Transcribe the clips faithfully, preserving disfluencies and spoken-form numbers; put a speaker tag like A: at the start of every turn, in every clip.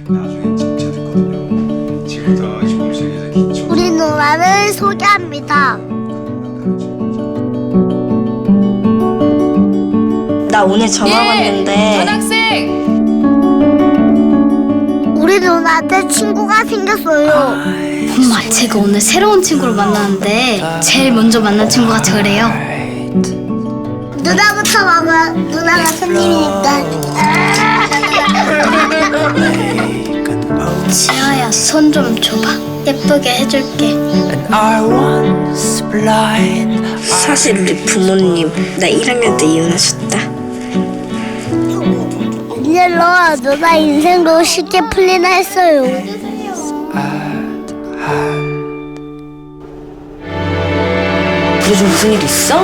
A: 나중에 진짜 됐거든요. 지금부터 시범 시작해서 기초.
B: 우리 누나를 소개합니다.
C: 나 오늘 전화 왔는데
D: 전학생!
B: 우리 누나한테 친구가 생겼어요.
E: 엄마, 제가 오늘 새로운 친구를 만나는데 제일 먼저 만난 친구가 저래요.
B: 누나부터 먹어. 누나가 손님이니까.
E: 지아야, 손 좀 줘봐. 예쁘게 해줄게.
C: 사실 우리 부모님 나 일 학년 때 이혼하셨다.
B: 이제로 누나 인생도 쉽게 풀리나 했어요.
C: 요즘 무슨 일 있어?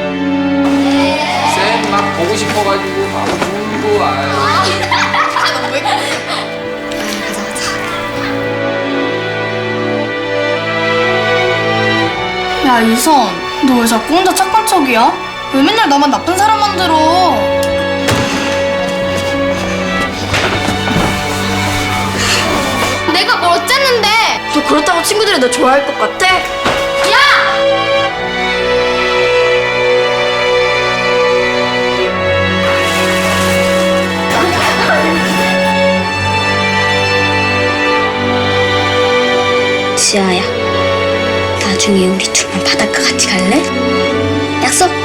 D: 쌤 막 보고 싶어가지고 막 울고 아유.
F: 야, 이선, 너 왜 자꾸 혼자 착한 척이야? 왜 맨날 나만 나쁜 사람 만들어?
E: 내가 뭘 어쨌는데?
C: 너 그렇다고 친구들이 너 좋아할 것 같아? 지아야, 나중에 우리 둘만 바닷가 같이 갈래? 약속?